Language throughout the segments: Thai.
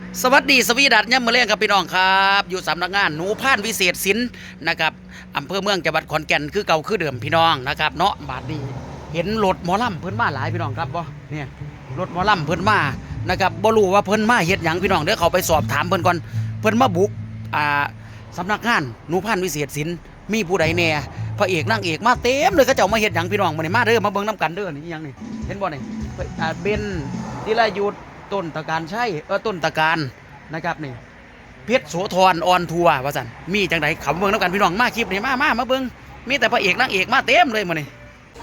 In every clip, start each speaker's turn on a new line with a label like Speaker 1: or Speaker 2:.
Speaker 1: สวัสดีสวีดัตย่ำมือเลี้ยงครับพี่น้องครับอยู่สำนักงานหนูพานวิเศษศิลป์นะครับอำเภอเมืองจังหวัดขอนแก่นคือเก่าคือเดิมพี่น้องนะครับเนาะบาดนี้เห็นรถหมอลำเพิ่นมาหลายพี่น้องครับบ่เนี่ยรถหมอลำเพิ่นมานะครับบ่รู้ว่าเพิ่นมาเฮ็ดหยังพี่น้องเดี๋ยวเขาไปสอบถามเพิ่นก่อนเพิ่นมาบุกสำนักงานหนูพานวิเศษศิลป์มีผู้ใดแน่พระเอกนางเอกมาเต็มเลยเขาเจ้ามาเฮ็ดหยังพี่น้องมื้อนี้มาเด้อมาเบิ่งน้ำกันเด้อนี่หยังนี่เห็นบ่นี่เบนธีรยุทธต้นตะการใช่ต้นตะการนะครับนี่เพชรโสธรออนทัวร์ว่าสันมีจังไดขำเบิ่งแล้วกันพี่น้องมาคลิปนี่มาเบิ่งมีแต่พระเอกนางเอกมาเต็มเลยมื้อนี้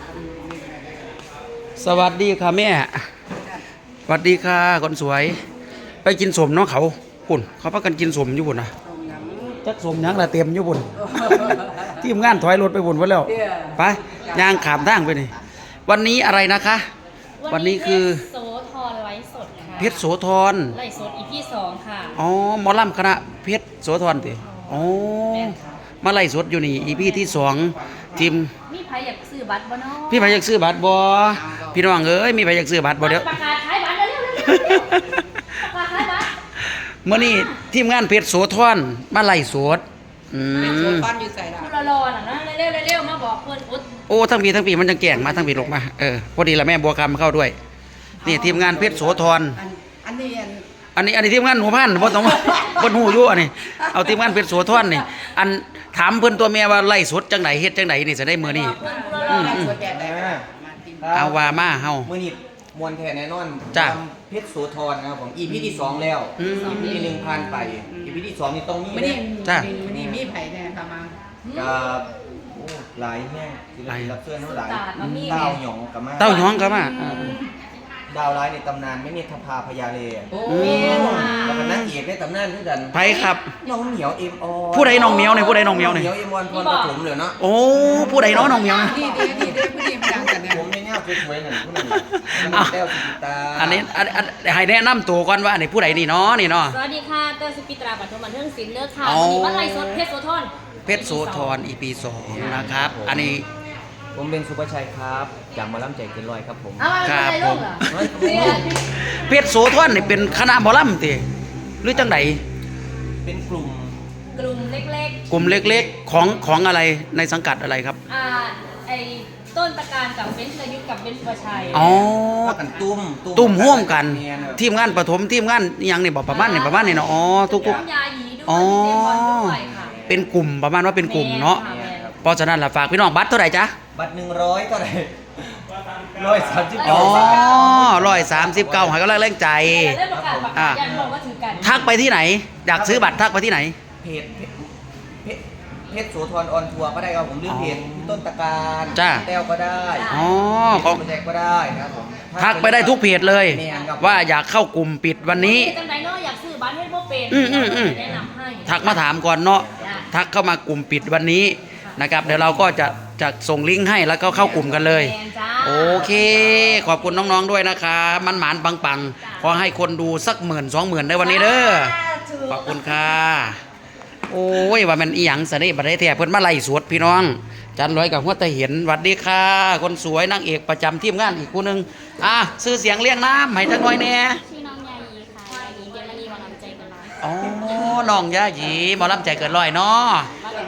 Speaker 1: สวัสดีค่ะแม่สวัสดีค่ะคนสวยไปกินสมเนาะเขาปุ่นเขาพากันกินสมอยู่ปุ่นนะจักสมยังละเต็มอยู่ปุ่นทีมงานถอยรถไปปุ่นไว้แล้วไปย่างขามทางไปนี่วันนี้อะไรนะคะวันนี้คือ
Speaker 2: โสธรไลฟ์สดค่ะ
Speaker 1: เพชรโสธร
Speaker 2: ไลฟ์สด EP 2ค่ะ
Speaker 1: อ๋อหมอลำคณะเพชรโสธรติอ๋อมาไล่สดอยู่นี่ EP ที่2ทีม
Speaker 2: มีใครอยากซื้อบัตรบ่เนาะ
Speaker 1: พี่ไผอยากซื้อบัตรบ่พี่น้องเอ้ยมีไผอยากซื้อบัตรบ่เดี๋ยว
Speaker 2: ประกาศขายบัตรเร็วๆประกาศขายบัตร
Speaker 1: มื้อนี้ทีมงานเพชรโสธรมาไล่สด
Speaker 3: โซฟันอยู่ใส่ละ
Speaker 2: คุณรอน่ะนะเร็วๆมาบอกเพิ่นอุด
Speaker 1: โอ้ทั้งปีมันจังแก่งมาทั้งปีลงมาพอดีละแม่บัวคำเข้าด้วยนี่ทีมงานเพชรโสธร
Speaker 3: อัน
Speaker 1: นี้ทีมงานหัวพันบ่ต้องบ่ฮู้อยู่อันนี้เอาทีมงานเพชรโสธรนี่อันถามเพิ่นตัวแม่ว่าไล่สดจังไหนเฮ็ดจังไหนนี่จะได้มื้อนี้เอาว่ามาเฮา
Speaker 4: มื้อนี้มวลแท้แน่นอน
Speaker 1: จ้ะ
Speaker 4: เพชรโสธรนะครับผม EP ที่2แล้ว EP ที่1ผ่านไป EP ที่2นี่ต้องมี
Speaker 3: มื้อนี้
Speaker 1: จ้ะ
Speaker 3: มื้อนี้มีไผแน่ค่ะมา
Speaker 4: กับหลายแห้งที่เรารับเชิญเท่าหลายเต้าหยองกับมา
Speaker 1: เต้าหยองก็มา
Speaker 4: ดาวร้ายในตำนานไม่มีทภาพยาเลแล้วก็นางเอกในตำนานด้วยกัน
Speaker 1: ไผครับ
Speaker 4: น้องเหมียวเอ็มออน
Speaker 1: ผู้ใดน้องเหมียวนี่ผู้ใดน้องเหมียวนี่
Speaker 4: เหมียวเอ็มออนพรปฐมเลยเนาะ
Speaker 1: โอ้ผู้ใดน้องเหมียวนี่
Speaker 3: ดีผู้ดีมาดังกันเนี่ย
Speaker 4: ผมในแนวสวยๆนั่นผู้นั้นแต้วสุตา
Speaker 1: อันนี้ให้แนะนำตัวก่อนว่าอันนี้ผู้ใดนี่เนาะนี่เนาะ
Speaker 2: สวัสดีค่ะเต้ยสุปิตราบันเทิงบันเทิงศิลป์เลิศค่ะวันนี้ว่าไลฟ์สดเพชรโสธร
Speaker 1: เพชรโสธร EP 2นะครับอันนี้
Speaker 4: ผมเป็นสุภชัยครับจากหมอลำใจเกินร้อยครับผม
Speaker 1: ครับผมเพชรโสธรนี่เป็นคณะหมอลำติหรือจังได
Speaker 4: เป็นกลุ่ม
Speaker 2: เล็ก
Speaker 1: กลุ่มเล็กๆของอะไรในสังกัดอะไรครับ
Speaker 2: ไอ้ต้นตะการกับเบนซ์อายุกับเบนซ์ประชัย
Speaker 1: อ๋อ
Speaker 4: กัน
Speaker 1: ตุ้มร่วมกันทีมงานปฐมทีมงานยังนี่บอกประมาณนี่เนาะอ๋อทุก
Speaker 2: ยาหยีด้วย
Speaker 1: อ๋อ
Speaker 2: เป็น
Speaker 1: กลุ่มประมาณว่าเป็นกลุ่มเนาะเพราะฉะนั้นล่ะฝากพี่น้องบัตรเท่าไหร่จ๊ะ
Speaker 4: บัตร100เท่าไหร่139
Speaker 1: อ๋อ139ให้กำลังแรงใจทักไปที่ไหนอยากซื้อบัตรทักไปที่ไหน
Speaker 4: เพชรโสธรออนทัวร์ก็ได้ครับผมหรือเพจต้นตะการแต้วก็ได้
Speaker 1: อ๋อ
Speaker 4: ของแจกก็ได้นะครับผม
Speaker 1: ทักไปได้ทุกเพจเลยว่าอยากเข้ากลุ่มปิดวันนี้
Speaker 2: จังไดเนาะอยากซื้อบัตรให้บ่เป็นแนะนำให้
Speaker 1: ทักมาถามก่อนเนาะทักเข้ามากลุ่มปิดวันนี้นะครับเดี๋ยวเราก็จะส่งลิงก์ให้แล้วก็เข้ากลุ่มกันเลยโอเคขอบคุณน้องๆด้วยนะคะมันหมานปังๆขอให้คนดูสัก10,000-20,000ได้วันนี้เด้อขอบคุณค่ะโอ้ยว่ามันอีหยังซะนี่บัดได้แท้เพิ่นมาไล่สวดพี่น้องจันร้อยกับหัวตะเห็นหวัดดีค่ะคนสวยนางเอกประจำทีมงานอีกผู้นึงชื่อเสียงเรียงน้ำให้จักหน่อยแน่
Speaker 2: ชื่อน้องยายีค่ะยายีเดลลีหมอลำใจเกินร้อย
Speaker 1: อ๋อน้องยายีหมอลำใจเกินร้อยเนาะ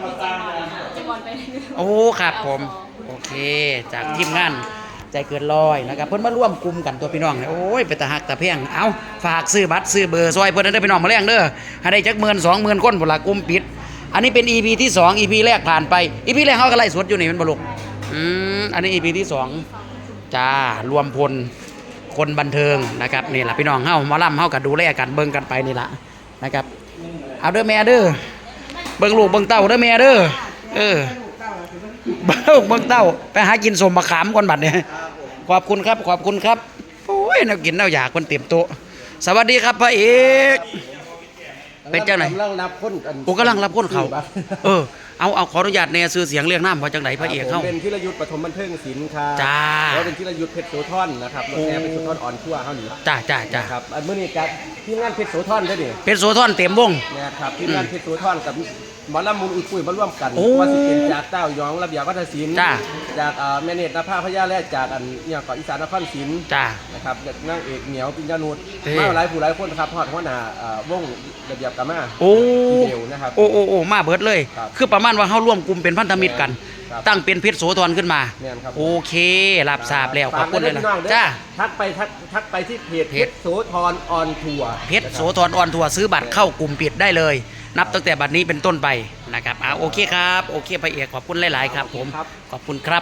Speaker 1: โอ้ครับผมโอเคจากทีมงานใจเกินร้อยนะครับเพิ่นมาร่วมกลุ่มกันตัวพี่น้องโอ้ยไปตะหักตะเพียงเอาฝากซื้อบัตรซื้อเบอร์ซอยเพิ่นได้พี่น้องมาแรงเด้อให้ได้จัก10,000-20,000คนพุ่นล่ะกลุ่มปิดอันนี้เป็น EP ที่2 EP แรกผ่านไป EP แรกเฮาก็ไล่สดอยู่นี่มันบ่ลุกอันนี้ EP ที่2จ้ารวมพลคนบันเทิงนะครับนี่ล่ะพี่น้องเฮาหมอลำเฮาก็ดูแลกันเบิ่งกันไปนี่ล่ะนะครับเอาเด้อแม่เด้อเบิ่งลูกเบิ่งเต้าเด้อแม่เด้อเบิ่งเต้าไปหากินสมมะขามก่อนบัดเนี่ยขอบคุณครับโอ้ยน่ากินน่าอยากคนเต็มโต๊ะสวัสดีครับพระเอกเป็นจังไหน
Speaker 4: กำลังรับคนกัน
Speaker 1: กำลังรับคนเขาเอาขออนุญาตในซื้อเสียงเรียกน้ำว่าจังไหนพระเอกเขา
Speaker 4: เป็นธีรยุทธปฐมบันเทิงศิลป์ครับ
Speaker 1: จ้า
Speaker 4: แล้วเป็นธีรยุทธเพชรโสธรนะครับรถแห่เพชรโสธรอ่อนทั่วเขาหนี
Speaker 1: จ้า
Speaker 4: ครับเมื่อนี้กับทีมงานเพชรโสธรได้ดิ
Speaker 1: เพชรโสธรเต็มวง
Speaker 4: นะครับทีมงานเพชรโสธรกับหมอลำมูลอุ้ยปุ้ยมาร่วมกันว่าสิเป็นจากเต้ายองระเบียบวัฒนศิลป์จากแม่เนตรนภาพยาและจากอันเนี่ยก่อนอีสานนครศิลป์
Speaker 1: จ้า
Speaker 4: น
Speaker 5: นะครับนางเอกเหนียวปิญญานุชมาหลายผู้หลายคนนะครับทอดหัวหน้าวงระเบียบกามา
Speaker 1: โอ้
Speaker 5: พี่เบลนะครับ
Speaker 1: โอ้มาเบิดเลย
Speaker 5: ครับ
Speaker 1: คือประมาณว่าเฮาร่วมกลุ่มเป็นพันธมิตรกัน
Speaker 5: ครับ
Speaker 1: ตั้งเป็นเพชรโสธรขึ้นมา
Speaker 5: แม่นครับ
Speaker 1: โอเครับทราบแล้วขอบคุณเลยนะ
Speaker 5: ฝากไว้ด้วยพี่น้องเด้อ
Speaker 1: จ้า
Speaker 5: ทักไปที่เพจ
Speaker 1: เพ
Speaker 5: เพ
Speaker 1: จ
Speaker 5: ชรโสธรออนทัวร์
Speaker 1: เพชรโสธรออนทัวร์ซื้อบัตรเข้ากลุ่มปิดได้เลย นับตั้งแต่บัดนี้เป็นต้นไปนะครับโอเคครับโอเคพระเอกขอบคุณหลายๆครับผมขอบคุณครับ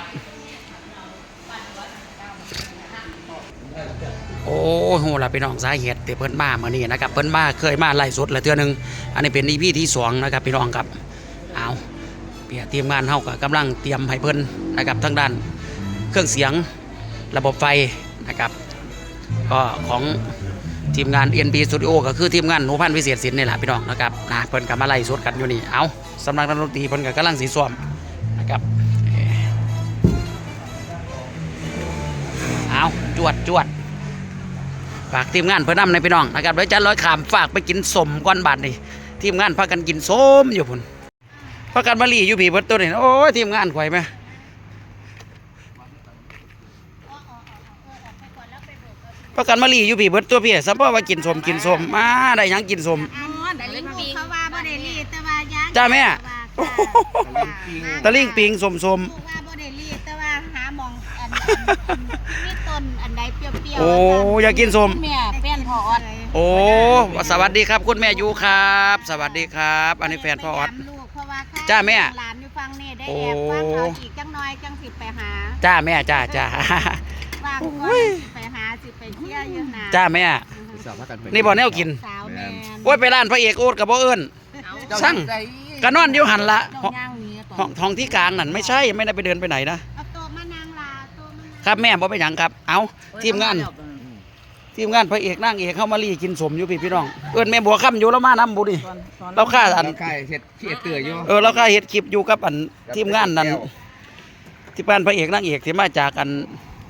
Speaker 1: โอ้โหล่ะพี่น้องสาเหตุที่เพิ่นมาเมื่อนี้นะครับเพิ่นมาเคยมาไล่สดแล้วเทื่อนึงอันนี้เป็น EP ที่2นะครับพี่น้องครับเอาเปียทีมงานเฮาก็กำลังเตรียมให้เพิ่นนะครับทั้งด้านเครื่องเสียงระบบไฟนะครับก็ของทีมงาน NB Studio ก็คือทีมงานหนูพันธุ์วิเศษศิลป์นี่แหละพี่น้องนะครับนะเพิ่นก็มาไล่สดกันอยู่นี่เอาสำนักดนตรีเพิ่นก็กำลังสีซ้อมนะครับเอาจวดฝากทีมงานเพื่อนนำในพี่น้องนะครับเดี๋ยวจันร้อยขามฝากไปกินสมก้อนบาทนี่ทีมงานพากันกินส้มอยู่พุ่นพากันมาลีอยู่ผีเบิดตัวนี่โอ้ยทีมงานข่อยไหมพากันมาลีอยู่ผีเบิดตัวพี่สัมพ่อว่ากินสมมาได้หยังกินสม
Speaker 2: แต่ลิ้นปี
Speaker 6: เขาว่าบ่ได้รีดแต่ว่าย่าง
Speaker 1: จ้าแม่
Speaker 6: โอ้โห
Speaker 1: ตะลิ่งปิงสม
Speaker 6: ว่าบ่ได้รีดแต่ว่าหาหมองมีต้นอันใดเปรี้ยวๆ
Speaker 1: โอ้อยากกินสม
Speaker 6: แม่แป้นพออด
Speaker 1: โอ้สวัสดีครับคุณแม่ยูครับ สวัสดีครับ อันนี้แฟนพ่อออด
Speaker 6: ไปย้ำลูกเพราะว่าข้
Speaker 1: จ้าแม่
Speaker 6: หลานอยู่ฟังนี่ได้แอบฟังเขาอีกจังน้อยจังสิไปหา
Speaker 1: จ้าแม่จ้า
Speaker 6: ว่างก่อนสิไปหาสิไปเที่ยวอยู่นะ
Speaker 1: จ้าแม่นี่บ่แนวกิน
Speaker 6: สาวแม่น
Speaker 1: โอ้ยไปร้านพระเอกโอ๊ตกับบ่เอิ้นสั่งกะนอนอยู่หันละ
Speaker 6: ดอกย่างนี้ต่
Speaker 1: ห้องที่กลางนั่นไม่ใช่ไม่ได้ไปเดินไปไหนนะ
Speaker 6: เอาโต๊ะมานางลาโต๊ะมานาง
Speaker 1: ครับแม่บ่ไปหยังครับเอาทีมงานพระเอกนางเอกเข้ามาลีกินสมอยู่พี่น้องเอิ้นแม่บัวค่ำอยู่แล้วมาน้ำบุดิเราค่าอัน
Speaker 4: ใช่เห็ดเตืออยู่
Speaker 1: เราค่าเฮ็ดคลิปอยู่กับอันทีมงานนั่นที่บ้านพระเอกนางเอกที่มาจากอัน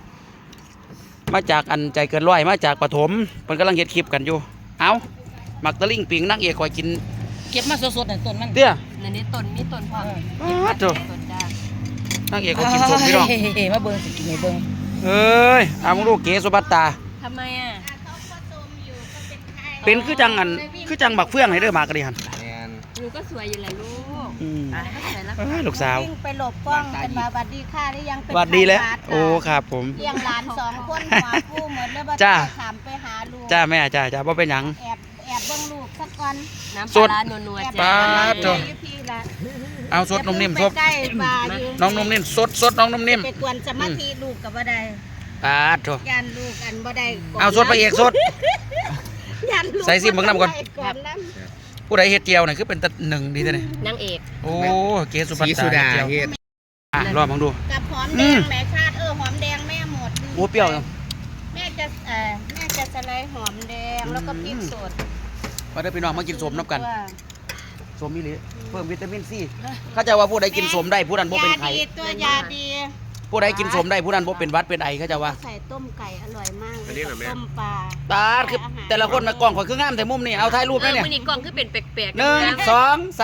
Speaker 1: ใจเกินร้อยมาจากปฐมเพิ่นกำลังเฮ็ดคลิปกันอยู่เอาหมักตะลิ่งปิงนางเอกคอยกิน
Speaker 2: เก็บมาสดๆในต้นมัน
Speaker 1: เตี้ย
Speaker 2: นี่ต้นมีต้นพร้อม
Speaker 1: อ้าวโถ่
Speaker 2: ต้นจ้าน
Speaker 1: างเอกก็กินสมพี่น้อง
Speaker 2: มาเบิ่งสิกินให้เบิ่ง
Speaker 1: เอ้ยเอามึงลูกเก๋สุภัตตา
Speaker 2: ทำไมอ่ะ
Speaker 6: เขาผสมอยู่ก็เป็นไข่
Speaker 1: เป็นคือจังอันคือจังบักเฟื่องให้เด้อมากระดิหัน
Speaker 4: แมน
Speaker 2: หนูก็สวยอยู่แหละลูก
Speaker 1: อืม
Speaker 2: ก็สวยแล้ว
Speaker 1: เอ้ยลูกสาว
Speaker 6: วิ่งไปหลบกล้องเป็นมาบัดดีค่ะได้ยังเป็น
Speaker 1: หวัดดีแล้ว
Speaker 6: ไข้หด
Speaker 1: โอ้ครับผม
Speaker 6: เลี้ยงหลาน2 คนหัวผู้เหมือนแล้วบ่
Speaker 1: จ้า
Speaker 6: ถามไปหาลูก
Speaker 1: จ้าแม่จ้าบ่เป็นหยัง
Speaker 6: แอบเบิ่งลูกสักก่อน
Speaker 2: น้ำ
Speaker 1: ส
Speaker 2: ป
Speaker 1: ด
Speaker 2: ลานัว
Speaker 6: แอบ
Speaker 2: ๆจ้า
Speaker 1: ป๊าด โถ่
Speaker 6: อยู่พี่ละ
Speaker 1: เอาสดนมนิ่ม
Speaker 6: อ
Speaker 1: ส
Speaker 6: ย่า
Speaker 1: ด
Speaker 6: เพิ่งไปใกล้ป่าอยู่
Speaker 1: น้องนมนิ่มสดน้องนมนิ่ม
Speaker 6: ไปกวนสมาธิลูกก็บ่ได้
Speaker 1: ปาดโถ
Speaker 6: ยันลูกอันบ่ได้
Speaker 1: เอาสดพระเอกสด
Speaker 6: ยันลูก
Speaker 1: ใส่ซิมเบิ่งน้ำก่อน
Speaker 6: บ่ได้ก่อนน้
Speaker 1: ผู้ใดเฮ็ดเจียวนี่คือเป็นตะหนึ่งดีแท้นี่
Speaker 2: นางเอก
Speaker 1: โอ้เก๋สุภัต
Speaker 4: สี
Speaker 1: ตา
Speaker 4: สุดา
Speaker 1: เจียว
Speaker 4: เฮ็ด
Speaker 1: อ่ะรอมองดู
Speaker 6: ำกับหอมแดงแม่ชาติหอมแดงแม่หมด
Speaker 1: โอ้เปรี้ยวจัง
Speaker 6: แม่จะสไลด์หอมแดงแล้วก็พริกสด
Speaker 1: มาเด้อพี่น้องมากินสมน้ำกันสมอีหลีเพิ่มวิตามินซีเข้าใจว่าผู้ใดกินสมได้ผู้นั้นบ่เป็นไข้
Speaker 6: ยาดีตัวยาดี
Speaker 1: ผู้ใดกินสมได้ผู้นั้นบ่เป็นหวัดเป็นไอเข้าใจว่า
Speaker 6: ใส่ต้มไก่อร่อยมากเลยต้มปลา
Speaker 1: ตาดคือแต่ละคนนะกล้องข่อยคืองามแต่มุมนี่เอาถ่ายรูปได้เนี่ย
Speaker 2: มื้อนี้กล้องคือเป็นแปลกๆ
Speaker 1: 1 2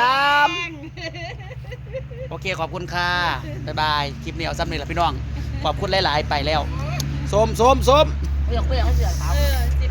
Speaker 1: 3โอเคขอบคุณค่ะบ๊ายบายคลิปนี้เอาซ้ำนี่แหละพี่น้องขอบคุณหลายๆไปแล้วสม
Speaker 2: เปลือกให้เสือขาว
Speaker 6: เออ